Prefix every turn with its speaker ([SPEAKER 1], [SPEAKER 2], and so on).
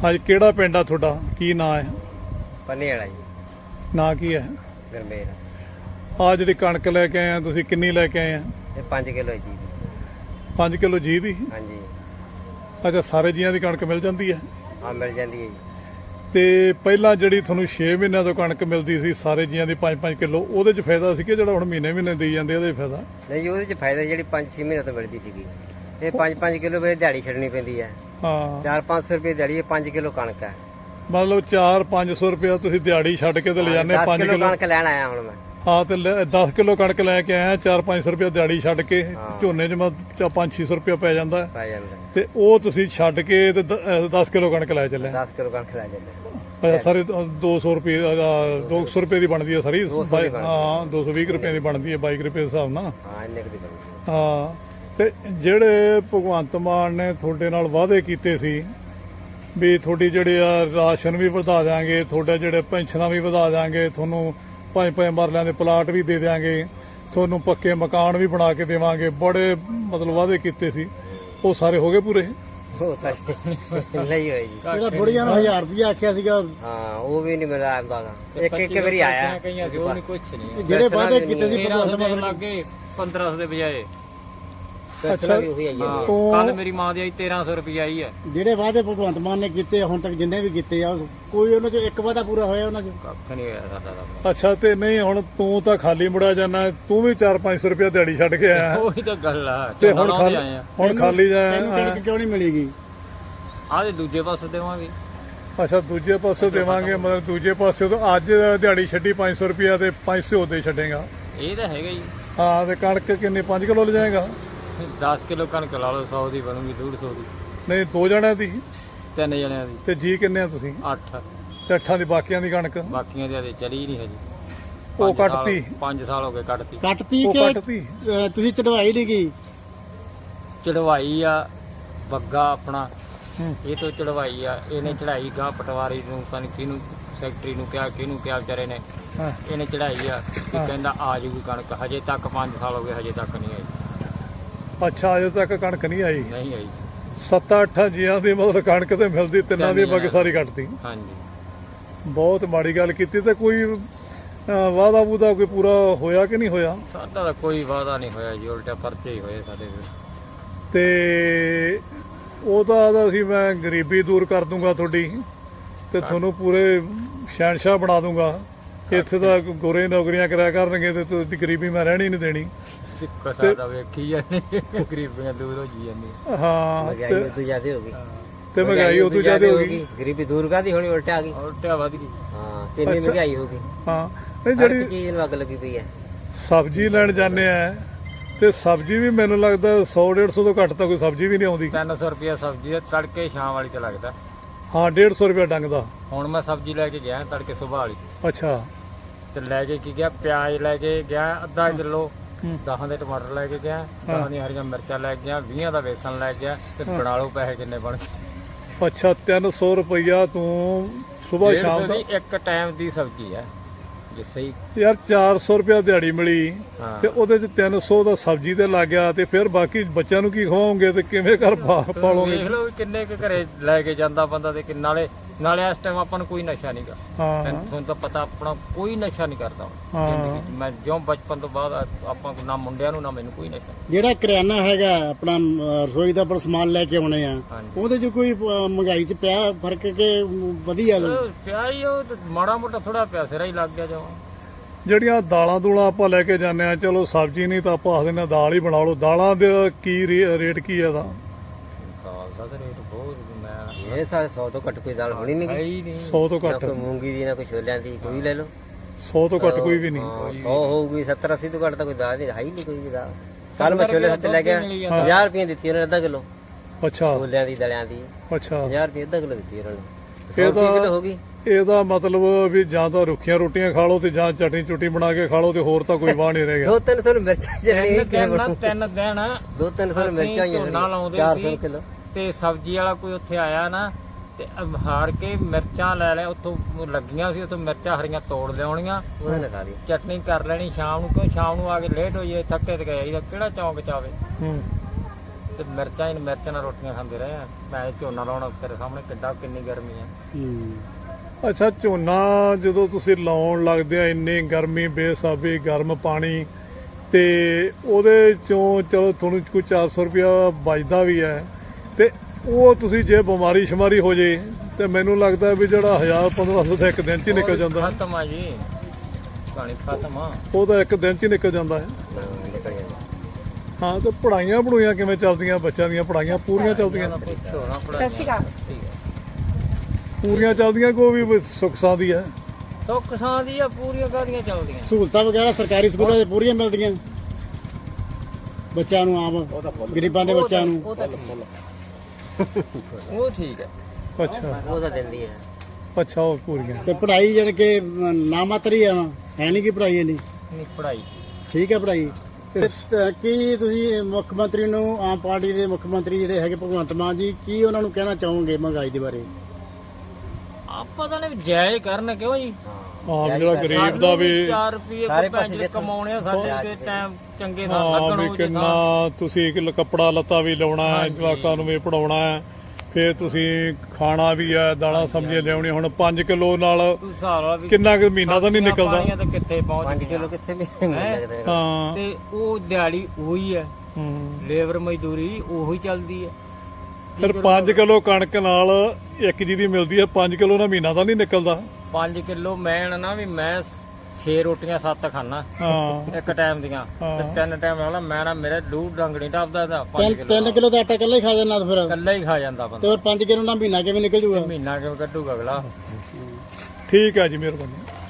[SPEAKER 1] ਹਾਂਜੀ, ਕਿਹੜਾ ਪਿੰਡ ਆ ਤੁਹਾਡਾ? ਕੀ ਨਾਂ ਹੈ?
[SPEAKER 2] ਪੰਨੇ ਵਾਲਾ ਜੀ।
[SPEAKER 1] ਨਾਂ ਕੀ ਹੈ?
[SPEAKER 2] ਗਰਮੇਲ।
[SPEAKER 1] ਆ ਜਿਹੜੀ ਕਣਕ ਲੈ ਕੇ ਆਏ ਆ ਤੁਸੀਂ, ਕਿੰਨੀ ਲੈ ਕੇ ਆਏ ਆ?
[SPEAKER 2] ਇਹ 5 ਕਿਲੋ ਜੀ।
[SPEAKER 1] 5 ਕਿਲੋ ਜੀ ਦੀ?
[SPEAKER 2] ਹਾਂਜੀ।
[SPEAKER 1] ਅੱਛਾ, ਸਾਰੇ ਜੀਆਂ ਦੀ ਕਣਕ ਮਿਲ ਜਾਂਦੀ ਹੈ?
[SPEAKER 2] ਹਾਂ, ਮਿਲ ਜਾਂਦੀ ਹੈ ਜੀ।
[SPEAKER 1] ਤੇ ਪਹਿਲਾਂ ਜਿਹੜੀ ਤੁਹਾਨੂੰ 6 ਮਹੀਨਿਆਂ ਤੋਂ ਕਣਕ ਮਿਲਦੀ ਸੀ ਸਾਰੇ ਜੀਆਂ ਦੀ 5-5 ਕਿਲੋ, ਉਹਦੇ 'ਚ ਫਾਇਦਾ ਸੀ ਕਿ ਜਿਹੜਾ ਹੁਣ ਮਹੀਨੇ ਦੇਈ ਜਾਂਦੇ ਉਹਦੇ 'ਚ ਫਾਇਦਾ?
[SPEAKER 2] ਨਹੀਂ ਜੀ, ਉਹਦੇ 'ਚ ਫਾਇਦਾ ਜਿਹੜੀ 5-6 ਮਹੀਨੇ ਤੋਂ ਮਿਲਦੀ ਸੀਗੀ। ਇਹ 5-5 ਕਿਲੋ ਵੇ ਦਿਹਾੜੀ ਛੱਡਣੀ ਪੈਂਦੀ ਹੈ।
[SPEAKER 1] ਹਾਂ,
[SPEAKER 2] 400-500 ਰੁਪਏ ਦਿਹਾੜੀ, ਇਹ 5 ਕਿਲੋ ਕਣਕ ਹੈ।
[SPEAKER 1] ਮਤਲਬ 400-500 ਰੁਪਇਆ ਤੁਸੀਂ ਦਿਹਾੜੀ ਛੱਡ ਕੇ ਤੇ ਲਿਜਾਨੇ 5
[SPEAKER 2] ਕਿਲੋ
[SPEAKER 1] ਕਿਲੋ
[SPEAKER 2] ਕਣਕ ਲੈਣ ਆਇਆ ਹੁਣ ਮੈਂ।
[SPEAKER 1] ਹਾਂ, ਤੇ 10 ਕਿਲੋ ਕਣਕ ਲੈ ਕੇ ਆਇਆ, 400-500 ਰੁਪਇਆ ਦਿਹਾੜੀ ਛੱਡ ਕੇ। ਝੋਨੇ 'ਚ 500-600 ਰੁਪਇਆ ਪੈ ਜਾਂਦਾ ਹੈ।
[SPEAKER 2] ਪੈ ਜਾਂਦਾ।
[SPEAKER 1] ਤੇ ਉਹ ਤੁਸੀਂ ਛੱਡ ਕੇ ਤੇ 10 ਕਿਲੋ ਕਣਕ ਲੈ ਚੱਲੇ?
[SPEAKER 2] 10 ਕਿਲੋ ਕਣਕ ਲੈ ਜਾਂਦੇ।
[SPEAKER 1] ਅੱਛਾ, ਸਾਰੇ 200 ਰੁਪਏ 200 ਰੁਪਏ ਦੀ ਬਣਦੀ ਹੈ ਸਾਰੀ? ਹਾਂ, 220 ਰੁਪਏ ਦੀ ਬਣਦੀ ਹੈ 22 ਰੁਪਏ ਦੇ ਹਿਸਾਬ ਨਾਲ।
[SPEAKER 2] ਹਾਂ, ਇੰਨੇ ਕੁ ਦੀ ਬਣਦੀ।
[SPEAKER 1] ਹਾਂ, ਤੇ ਜਿਹੜੇ ਭਗਵੰਤ ਮਾਨ ਨੇ ਤੁਹਾਡੇ ਨਾਲ ਵਾਅਦੇ ਕੀਤੇ ਸੀ ਵੀ ਤੁਹਾਡੀ ਜਿਹੜੇ ਆ ਰਾਸ਼ਨ ਵੀ ਵਧਾ ਦਿਆਂਗੇ, ਤੁਹਾਡੇ ਜਿਹੜੇ ਪੈਨਸ਼ਨਾਂ ਵੀ ਵਧਾ ਦਿਆਂਗੇ, ਤੁਹਾਨੂੰ 5-5 ਮਰਲਿਆਂ ਦੇ ਪਲਾਟ ਵੀ ਦੇ ਦਿਆਂਗੇ, ਤੁਹਾਨੂੰ ਪੱਕੇ ਮਕਾਨ ਵੀ ਬਣਾ ਕੇ ਦੇਵਾਂਗੇ, ਬੜੇ ਮਤਲਬ ਵਾਅਦੇ ਕੀਤੇ ਸੀ, ਉਹ ਸਾਰੇ ਹੋ ਗਏ ਪੂਰੇ?
[SPEAKER 2] ਉਹ ਤਾਂ ਨਹੀਂ ਹੋਈ ਜੀ।
[SPEAKER 3] ਜਿਹੜਾ ਬੁੜੀਆਂ ਨੂੰ 1000 ਰੁਪਇਆ ਆਖਿਆ ਸੀਗਾ,
[SPEAKER 2] ਹਾਂ, ਉਹ ਵੀ ਨਹੀਂ ਮਿਲਿਆ ਆਂਦਾ। ਇੱਕ ਵਾਰੀ ਆਇਆ।
[SPEAKER 4] ਉਹ ਨਹੀਂ ਕੁਛ ਨਹੀਂ।
[SPEAKER 3] ਜਿਹੜੇ ਵਾਅਦੇ ਕੀਤੇ ਸੀ ਭਗਵੰਤ ਮਾਨ
[SPEAKER 4] ਲੱਗੇ 1500 ਦੇ ਬਜਾਏ।
[SPEAKER 1] ਅੱਛਾ,
[SPEAKER 4] ਕੱਲ ਮੇਰੀ ਮਾਂ ਦੀ ਆਈ 1300 ਰੁਪਏ ਆਈ ਹੈ।
[SPEAKER 3] ਜਿਹੜੇ ਵਾਅਦੇ ਭਗਵੰਤ ਮਾਨ ਨੇ ਕੀਤੇ ਹੁਣ ਤੱਕ ਜਿੰਨੇ ਵੀ ਕੀਤੇ ਆ, ਕੋਈ ਉਹਨਾਂ ਚ ਇੱਕ ਵਾਅਦਾ ਪੂਰਾ ਹੋਇਆ ਉਹਨਾਂ ਚ?
[SPEAKER 4] ਕੱਖ ਨਹੀਂ ਹੋਇਆ ਸਾਡਾ ਤਾਂ।
[SPEAKER 1] ਅੱਛਾ, ਤੇ ਨਹੀਂ ਹੁਣ ਤੂੰ ਤਾਂ ਖਾਲੀ ਮੁੜਿਆ ਜਾਣਾ, ਤੂੰ ਵੀ 400-500 ਰੁਪਇਆ ਦਿਹਾੜੀ ਛੱਡ ਕੇ ਆਇਆ
[SPEAKER 4] ਉਹੀ ਤਾਂ ਗੱਲ ਆ।
[SPEAKER 1] ਤੇ ਹੁਣ ਖਾਲੀ ਜਾਇਆ?
[SPEAKER 3] ਤੈਨੂੰ ਕਣਕ ਕਿਉਂ ਨਹੀਂ ਮਿਲੇਗੀ?
[SPEAKER 4] ਆਹ ਦੂਜੇ ਪਾਸੇ ਦੇਵਾਂਗੇ।
[SPEAKER 1] ਅੱਛਾ, ਦੂਜੇ ਪਾਸੇ ਦੇਵਾਂਗੇ, ਮਤਲਬ ਦੂਜੇ ਪਾਸੇ ਤੋਂ ਅੱਜ ਦਿਹਾੜੀ ਛੱਡੀ 500 ਰੁਪਇਆ ਤੇ 500 ਦੇ ਛੱਡੇਗਾ?
[SPEAKER 4] ਇਹ ਤਾਂ ਹੈਗਾ ਜੀ।
[SPEAKER 1] ਹਾਂ, ਤੇ ਕਣਕ ਕਿੰਨੇ 5 ਕਿਲੋ ਲੈ ਜਾਏਗਾ?
[SPEAKER 4] 10 ਕਿਲੋ ਕਣਕ ਲਾ ਲਓ, 100 ਦੀ ਬਣੂਗੀ, 150 ਦੀ।
[SPEAKER 1] ਨਹੀਂ, 2 ਜਣਿਆਂ ਦੀ?
[SPEAKER 4] 3 ਜਣਿਆਂ ਦੀ।
[SPEAKER 1] ਤੇ ਜੀ ਕਿੰਨੇ ਆ ਤੁਸੀਂ?
[SPEAKER 4] 8।
[SPEAKER 1] ਤੇ 8 ਦੀ ਬਾਕੀਆਂ ਦੀ ਕਣਕ?
[SPEAKER 4] ਬਾਕੀਆਂ ਦੀ ਚਲੀ ਨਹੀਂ ਹਜੇ।
[SPEAKER 1] ਉਹ ਕੱਟਤੀ?
[SPEAKER 4] 5 ਸਾਲ ਹੋ ਗਏ ਕੱਟਤੀ।
[SPEAKER 3] ਕੱਟਤੀ
[SPEAKER 1] ਉਹ
[SPEAKER 3] ਕਿ
[SPEAKER 1] ਕੱਟਤੀ?
[SPEAKER 3] ਤੁਸੀਂ ਚੜਵਾਈ ਨਹੀਂ ਗਈ?
[SPEAKER 4] ਚੜਵਾਈ ਆ ਬੱਗਾ ਆਪਣਾ, ਇਹ ਤੋਂ ਚੜਵਾਈ ਆ। ਇਹਨੇ ਚੜਾਈ ਗਾ ਪਟਵਾਰੀ ਨੂੰ, ਪਤਾ ਕਿਹਨੂੰ, ਸੈਕਟਰੀ ਨੂੰ ਕਿਹਾ, ਕਿਹਨੂੰ ਕਿਹਾ ਵਿਚਾਰੇ ਨੇ। ਇਹਨੇ ਚੜਾਈ ਆ ਕਿ ਕਹਿੰਦਾ ਆ ਜੂਗੀ ਕਣਕ। ਹਜੇ ਤੱਕ 5 ਸਾਲ ਹੋ ਗਏ, ਹਜੇ ਤੱਕ ਨਹੀਂ ਆਈ।
[SPEAKER 1] ਅੱਛਾ, ਅਜੇ ਤੱਕ ਕਣਕ ਨਹੀਂ ਆਈ?
[SPEAKER 4] ਨਹੀਂ ਆਈ।
[SPEAKER 1] 7-8 ਜੀਆਂ ਦੀ ਮਤਲਬ ਕਣਕ ਤੇ ਮਿਲਦੀ, ਤਿੰਨਾਂ ਦੀ ਬਾਕੀ ਸਾਰੀ ਕੱਟਤੀ।
[SPEAKER 4] ਹਾਂਜੀ,
[SPEAKER 1] ਬਹੁਤ ਮਾੜੀ ਗੱਲ ਕੀਤੀ। ਤੇ ਕੋਈ ਵਾਅਦਾ ਵੂਦਾ ਕੋਈ ਪੂਰਾ ਹੋਇਆ ਕਿ ਨਹੀਂ ਹੋਇਆ?
[SPEAKER 4] ਸਾਡਾ ਤਾਂ ਕੋਈ ਵਾਅਦਾ ਨਹੀਂ ਹੋਇਆ ਜੀ, ਉਲਟਾ ਪਰਚੇ ਹੀ ਹੋਏ ਸਾਡੇ
[SPEAKER 1] ਤੇ ਉਹਦਾ ਅਸੀਂ ਮੈਂ ਗਰੀਬੀ ਦੂਰ ਕਰ ਦੂੰਗਾ ਤੁਹਾਡੀ, ਤੇ ਤੁਹਾਨੂੰ ਪੂਰੇ ਸ਼ਹਿਨਸ਼ਾਹ ਬਣਾ ਦੂੰਗਾ। ਇੱਥੇ ਤਾਂ ਗੋਰੇ ਨੌਕਰੀਆਂ ਕਰਿਆ ਕਰਨਗੇ ਤੇ ਤੁਹਾਡੀ ਗਰੀਬੀ ਮੈਂ ਰਹਿਣੀ ਨਹੀਂ ਦੇਣੀ।
[SPEAKER 4] ਸਾਡਾ ਵੇਖੀ ਜਾਂਦੇ, ਗਰੀਬੀਆਂ ਦੂਰ ਹੋ ਜੀ ਜਾਂਦੀਆਂ।
[SPEAKER 1] ਹਾਂ,
[SPEAKER 2] ਮਹਿੰਗਾਈ ਉਦੋਂ ਜ਼ਿਆਦਾ ਹੋ ਗਈ।
[SPEAKER 1] ਤੇ ਮਹਿੰਗਾਈ ਉਦੋਂ ਜ਼ਿਆਦਾ ਹੋ ਗਈ।
[SPEAKER 2] ਗਰੀਬੀ ਦੂਰ ਕਾਦੀ ਹੋਣੀ, ਉਲਟਾ ਆ ਗਈ।
[SPEAKER 4] ਉਲਟਾ ਵੱਧ ਗਈ।
[SPEAKER 2] ਹਾਂ, ਕਿੰਨੀ ਮਹਿੰਗਾਈ ਹੋ ਗਈ।
[SPEAKER 1] ਹਾਂ, ਨਹੀਂ,
[SPEAKER 2] ਜਿਹੜੀ
[SPEAKER 1] ਜਿਹੜੀ
[SPEAKER 2] ਚੀਜ਼ ਨੂੰ ਅੱਗ ਲੱਗੀ ਪਈ ਹੈ।
[SPEAKER 1] ਸਬਜ਼ੀ ਲੈਣ ਜਾਂਦੇ ਆ ਤੇ ਸਬਜ਼ੀ ਵੀ ਮੈਨੂੰ ਲੱਗਦਾ 100-150 ਤੋਂ ਘੱਟ ਤਾਂ ਕੋਈ ਸਬਜ਼ੀ ਵੀ ਨਹੀਂ ਆਉਂਦੀ।
[SPEAKER 4] 300 ਰੁਪਇਆ ਸਬਜ਼ੀ ਹੈ, ਤੜਕੇ ਸ਼ਾਮ ਵਾਲੀ ਤੇ ਲੱਗਦਾ।
[SPEAKER 1] ਹਾਂ, 150 ਰੁਪਇਆ ਡੰਗ ਦਾ।
[SPEAKER 4] ਹੁਣ ਮੈਂ ਸਬਜ਼ੀ ਲੈ ਕੇ ਗਿਆ ਤੜਕੇ ਸੁਬਾਹ ਵਾਲੀ,
[SPEAKER 1] ਅੱਛਾ,
[SPEAKER 4] ਤੇ ਲੈ ਕੇ ਕੀ ਗਿਆ, ਪਿਆਜ਼ ਲੈ ਕੇ ਗਿਆ ਅੱਧਾ ਕਿਲੋ, 10 ਦੇ ਟਮਾਟਰ ਲੈ ਕੇ ਗਿਆ, 10 ਦੀਆਂ ਹਰੀਆਂ ਮਿਰਚਾਂ ਲੈ ਕੇ ਗਿਆ, 20 ਦਾ ਬੇਸਣ ਲੈ ਗਿਆ, ਤੇ ਬਣਾ ਲਓ ਪੈਸੇ ਕਿੰਨੇ ਬਣ ਗਏ।
[SPEAKER 1] ਅੱਛਾ, 300 ਰੁਪਇਆ ਤੂੰ ਸੁਬਾਹ ਸ਼ਾਮ ਦਾ?
[SPEAKER 4] ਇੱਕ ਟਾਈਮ ਦੀ ਸਬਜ਼ੀ ਹੈ ਜੇ ਸਹੀ।
[SPEAKER 1] ਯਾਰ 400 ਰੁਪਇਆ ਦਿਹਾੜੀ ਮਿਲੀ ਤੇ ਉਹਦੇ ਚ 300 ਦਾ ਸਬਜ਼ੀ ਤੇ ਲੱਗ ਗਿਆ, ਤੇ ਫਿਰ ਬਾਕੀ ਬੱਚਿਆਂ ਨੂੰ ਕੀ ਖਵਾਓਗੇ ਤੇ ਕਿਵੇਂ ਘਰ ਪਾਲੋਗੇ?
[SPEAKER 4] ਦੇਖ ਲਓ ਕਿੰਨੇ ਕੁ ਘਰੇ ਲੈ ਕੇ ਜਾਂਦਾ ਬੰਦਾ, ਤੇ ਨਾਲੇ ਇਸ ਟਾਈਮ ਆਪਾਂ ਨੂੰ ਕੋਈ ਨਸ਼ਾ ਨਹੀਂਗਾ। ਤੁਹਾਨੂੰ ਤਾਂ ਪਤਾ ਆਪਣਾ ਕੋਈ ਨਸ਼ਾ ਨਹੀਂ ਕਰਦਾ ਜ਼ਿੰਦਗੀ 'ਚ। ਮੈਂ ਜਿਉਂ ਬਚਪਨ ਤੋਂ ਬਾਅਦ ਆਪਾਂ ਨਾ ਮੁੰਡਿਆਂ ਨੂੰ ਨਾ ਮੈਨੂੰ ਕੋਈ ਨਸ਼ਾ।
[SPEAKER 3] ਜਿਹੜਾ ਕਰਿਆਨਾ ਹੈਗਾ ਆਪਣਾ ਰਸੋਈ ਦਾ ਪਰ ਸਮਾਨ ਲੈ ਕੇ ਆਉਣੇ ਆ, ਉਹਦੇ ਚ ਕੋਈ ਮਹਿੰਗਾਈ ਚ ਪਿਆ ਫਰਕ ਕਿ ਵਧੀਆ?
[SPEAKER 4] ਪਿਆ ਹੀ ਉਹ ਮਾੜਾ ਮੋਟਾ ਥੋੜਾ ਪਿਆ, ਸਿਰਾ ਹੀ ਲੱਗ ਗਿਆ ਜਵਾ।
[SPEAKER 1] ਜਿਹੜੀਆਂ ਦਾਲਾਂ ਦੂਲਾਂ ਆਪਾਂ ਲੈ ਕੇ ਜਾਂਦੇ ਆ, ਚਲੋ ਸਬਜ਼ੀ ਨਹੀਂ ਤਾਂ ਆਪਾਂ ਆਖਦੇ ਨੇ ਦਾਲ ਹੀ ਬਣਾ ਲਓ, ਦਾਲਾਂ ਦਾ ਕੀ ਰੇਟ ਕੀ ਹੈ? ਦਾ
[SPEAKER 4] ਦਾਲ ਦਾ ਰੇਟ ਬਹੁਤ, ਮੈਂ
[SPEAKER 2] ਇਹ 100 ਤੋਂ ਘੱਟ ਕੋਈ ਦਾਲ ਹੋਣੀ ਨਹੀਂ।
[SPEAKER 1] 100 ਤੋਂ
[SPEAKER 2] ਨਾ
[SPEAKER 1] ਘੱਟ?
[SPEAKER 2] ਕੋਈ ਮੂੰਗੀ ਦੀ, ਨਾ ਕੋਈ ਛੋਲਿਆਂ ਦੀ, ਕੋਈ ਲੈ ਲਓ।
[SPEAKER 1] 100 ਤੋਂ ਘੱਟ ਕੋਈ ਵੀ ਨਹੀਂ?
[SPEAKER 2] 100 ਹੋਊਗੀ, 70-80 ਤੋਂ ਘੱਟ ਤਾਂ ਕੋਈ ਦਾਲ ਨਹੀਂ, ਹੈ ਹੀ ਨਹੀਂ ਕੋਈ ਵੀ ਦਾਲ। ਕੱਲ ਮੈਂ ਛੋਲੇ ਸੱਤੇ ਲੈ ਗਿਆ, 50 ਰੁਪਏ ਦਿੱਤੀ ਉਹਨਾਂ ਨੇ ਅੱਧਾ ਕਿਲੋ।
[SPEAKER 1] ਅੱਛਾ,
[SPEAKER 2] ਛੋਲਿਆਂ ਦੀ, ਦਲਿਆਂ ਦੀ।
[SPEAKER 1] ਅੱਛਾ,
[SPEAKER 2] 50 ਰੁਪਏ ਅੱਧਾ ਕਿਲੋ ਦਿੱਤੀ ਉਹਨਾਂ ਨੇ।
[SPEAKER 1] ਇਹਦਾ
[SPEAKER 2] ਹੋ ਗਈ।
[SPEAKER 1] ਇਹਦਾ ਮਤਲਬ ਵੀ ਜਾਂ ਤਾਂ ਰੁੱਖੀਆਂ ਰੋਟੀਆਂ ਖਾ ਲਓ ਤੇ ਜਾਂ ਚਟਨੀ ਚੁੱਟੀ ਬਣਾ ਕੇ ਖਾ ਲਓ, ਤੇ ਹੋਰ ਤਾਂ ਕੋਈ ਵਾਹ ਨਹੀਂ ਰਹੇਗਾ।
[SPEAKER 2] 200-300 ਮਿਰਚਾਂ ਚੜਣੀ।
[SPEAKER 4] 3 ਦਿਨ
[SPEAKER 2] 200-300 ਮਿਰਚਾਂ ਹੀ 400 ਕਿਲੋ।
[SPEAKER 4] ਤੇ ਸਬਜ਼ੀ ਵਾਲਾ ਕੋਈ ਉੱਥੇ ਆਇਆ ਨਾ, ਤੇ ਹਾਰ ਕੇ ਮਿਰਚਾਂ ਲੈ ਲੈ, ਉੱਥੋਂ ਲੱਗੀਆਂ ਸੀ, ਉੱਥੋਂ ਮਿਰਚਾਂ ਹਰੀਆਂ ਤੋੜ ਲਿਆਉਣੀਆਂ,
[SPEAKER 2] ਉਹਨਾਂ ਨੇ ਖਾ ਲਈ।
[SPEAKER 4] ਚਟਨੀ ਕਰ ਲੈਣੀ ਸ਼ਾਮ ਨੂੰ, ਕਿਉਂ ਸ਼ਾਮ ਨੂੰ ਆ ਕੇ ਲੇਟ ਹੋਈਏ, ਥੱਕੇ ਤੇ ਗਏ, ਕਿਹੜਾ ਚੌਂਕ ਚਾਵੇ। ਤੇ ਮਿਰਚਾਂ ਨਾਲ ਰੋਟੀਆਂ ਖਾਂਦੇ ਰਹੇ ਆ। ਮੈਂ ਝੋਨਾ ਲਾਉਣਾ ਤੇਰੇ ਸਾਹਮਣੇ ਕਿੰਨੀ ਗਰਮੀ ਆ।
[SPEAKER 1] ਅੱਛਾ, ਝੋਨਾ ਜਦੋਂ ਤੁਸੀਂ ਲਾਉਣ ਲੱਗਦੇ ਆ ਇੰਨੀ ਗਰਮੀ, ਬੇਸਾਬੀ, ਗਰਮ ਪਾਣੀ, ਤੇ ਉਹਦੇ ਚੋਂ ਚਲੋ ਤੁਹਾਨੂੰ ਕੋਈ 400 ਰੁਪਇਆ ਬਚਦਾ ਵੀ ਹੈ, ਤੇ ਉਹ ਤੁਸੀਂ ਜੇ ਬਿਮਾਰੀ ਸ਼ਮਾਰੀ ਹੋ ਜੇ ਤੇ ਮੈਨੂੰ ਲੱਗਦਾ ਵੀ ਜਿਹੜਾ 1000-1500 ਤਾਂ ਇੱਕ ਦਿਨ 'ਚ ਹੀ ਨਿਕਲ ਜਾਂਦਾ।
[SPEAKER 4] ਖਤਮ ਆ ਜੀ, ਕਹਾਣੀ ਖਤਮ ਆ।
[SPEAKER 1] ਉਹ ਤਾਂ ਇੱਕ ਦਿਨ 'ਚ ਹੀ ਨਿਕਲ ਜਾਂਦਾ ਹੈ। ਹਾਂ, ਤੇ ਪੜ੍ਹਾਈਆਂ ਕਿਵੇਂ ਚੱਲਦੀਆਂ ਬੱਚਿਆਂ ਦੀਆਂ? ਪੜ੍ਹਾਈਆਂ ਪੂਰੀਆਂ ਚੱਲਦੀਆਂ? ਪੂਰੀਆਂ ਚੱਲਦੀਆਂ, ਕੋਈ ਵੀ ਸੁੱਖ ਸਾਂਦੀ ਹੈ?
[SPEAKER 4] ਸੁੱਖ ਸਾਂਦੀ ਆ, ਪੂਰੀਆਂ ਕਾਹਦੀਆਂ ਚੱਲਦੀਆਂ।
[SPEAKER 3] ਸਹੂਲਤਾਂ ਵਗੈਰਾ ਸਰਕਾਰੀ ਸਕੂਲਾਂ 'ਚ ਪੂਰੀਆਂ ਮਿਲਦੀਆਂ ਬੱਚਿਆਂ ਨੂੰ, ਆਮ ਗਰੀਬਾਂ ਦੇ ਬੱਚਿਆਂ ਨੂੰ?
[SPEAKER 4] ਉਹ ਤਾਂ ਉਹ ਠੀਕ ਹੈ।
[SPEAKER 1] ਅੱਛਾ,
[SPEAKER 2] ਉਹ ਤਾਂ ਦਿੰਦੀ ਹੈ।
[SPEAKER 1] ਅੱਛਾ, ਉਹ ਪੂਰੀਆਂ।
[SPEAKER 3] ਤੇ ਪੜ੍ਹਾਈ ਜਿਹੜੀ ਕਿ ਨਾ ਮਾਤਰੀ ਹੈ ਨਹੀਂ ਕਿ ਪੜ੍ਹਾਈ ਨਹੀਂ
[SPEAKER 4] ਨਹੀਂ, ਪੜ੍ਹਾਈ
[SPEAKER 3] ਠੀਕ ਹੈ ਪੜ੍ਹਾਈ। ਤੇ ਕੀ ਤੁਸੀਂ ਮੁੱਖ ਮੰਤਰੀ ਨੂੰ, ਆਮ ਪਾਰਟੀ ਦੇ ਮੁੱਖ ਮੰਤਰੀ ਜਿਹੜੇ ਹੈਗੇ ਭਗਵੰਤ ਮਾਨ ਜੀ, ਕੀ ਉਹਨਾਂ ਨੂੰ ਕਹਿਣਾ ਚਾਹੋਗੇ ਮਹਿੰਗਾਈ ਦੇ ਬਾਰੇ?
[SPEAKER 4] ਆਪਾਂ ਤਾਂ ਨੇ ਜਾਇਜ਼ ਕਰਨ ਕਿਉਂ ਜੀ?
[SPEAKER 1] ਆਮ ਜਿਹੜਾ ਗਰੀਬ ਦਾ ਵੀ
[SPEAKER 4] 4 ਰੁਪਏ
[SPEAKER 2] ਸਾਰੇ
[SPEAKER 4] ਕੋਈ
[SPEAKER 2] ਪਾਸੇ
[SPEAKER 4] ਪੈਸੇ ਕਮਾਉਣੇ ਆ, ਸਾਡੇ ਤੇ ਟਾਈਮ ਚੰਗੇ ਨਾਲ
[SPEAKER 1] ਹਾਂ
[SPEAKER 4] ਲੱਗਣ
[SPEAKER 1] ਵੀ
[SPEAKER 4] ਉਹ
[SPEAKER 1] ਕਿੰਨਾ ਤੁਸੀਂ ਕੱਪੜਾ ਲੱਤਾ ਵੀ ਲਾਉਣਾ ਹੈ, ਜਵਾਕਾਂ ਨੂੰ ਵੀ ਪੜਾਉਣਾ ਹੈ, ਫਿਰ ਤੁਸੀਂ ਖਾਣਾ ਵੀ ਹੈ, ਦਾਲਾਂ ਸਬਜ਼ੀਆਂ ਲਿਆਉਣੀ। ਹੁਣ 5 ਕਿਲੋ ਨਾਲ
[SPEAKER 4] ਸਾਰਾ ਵੀ
[SPEAKER 1] ਕਿੰਨਾ ਕੁ ਮਹੀਨਾ ਤਾਂ ਨਹੀਂ ਨਿਕਲਦਾ।
[SPEAKER 4] ਪਾਣੀਆਂ ਤਾਂ ਕਿੱਥੇ
[SPEAKER 2] 5
[SPEAKER 4] ਪਹੁੰਚ
[SPEAKER 2] ਕਿਲੋ ਕਿੱਥੇ ਵੀ ਨਹੀਂ ਲੱਗਦੇ।
[SPEAKER 1] ਹਾਂ,
[SPEAKER 4] ਤੇ ਉਹ ਦਿਹਾੜੀ ਉਹੀ ਹੈ,
[SPEAKER 1] ਹੂੰ।
[SPEAKER 4] ਲੇਬਰ ਮਜ਼ਦੂਰੀ ਉਹੀ ਚੱਲਦੀ ਹੈ।
[SPEAKER 1] ਫਿਰ 5 ਕਿਲੋ ਕਣਕ ਨਾਲ ਇੱਕ ਜੀ ਦੀ ਮਿਲਦੀ ਹੈ, 5 ਕਿਲੋ ਨਾਲ ਮਹੀਨਾ ਤਾਂ ਨਹੀਂ ਨਿਕਲਦਾ।
[SPEAKER 4] 5 ਕਿਲੋ ਮੈਂ ਨਾ ਵੀ ਮੈਂ 6 ਰੋਟੀਆਂ 7 ਖਾਣਾ
[SPEAKER 1] ਹਾਂ,
[SPEAKER 4] ਇੱਕ ਟਾਈਮ ਦੀਆਂ, ਤੇ 3 ਟਾਈਮ ਵਾਲਾ ਮੈਂ ਨਾ ਮੇਰੇ ਦੂਰ ਡੰਗਣੀ ਟੱਪਦਾ ਤਾਂ 5 ਕਿਲੋ
[SPEAKER 3] 3 ਕਿਲੋ ਦਾ ਆਟਾ ਇਕੱਲਾ ਹੀ ਖਾ ਜਾਂਦਾ ਫਿਰ,
[SPEAKER 4] ਇਕੱਲਾ ਹੀ ਖਾ ਜਾਂਦਾ
[SPEAKER 3] ਤੇ
[SPEAKER 4] ਬੰਦਾ।
[SPEAKER 3] ਫਿਰ 5 ਕਿਲੋ ਨਾਲ ਮਹੀਨਾ ਕਿਵੇਂ ਨਿਕਲ ਜੂਗਾ?
[SPEAKER 4] ਮਹੀਨਾ ਕਿਉਂ ਕੱਢੂਗਾ ਅਗਲਾ?
[SPEAKER 1] ਠੀਕ ਹੈ ਜੀ, ਮਿਹਰਬਾਨੀ।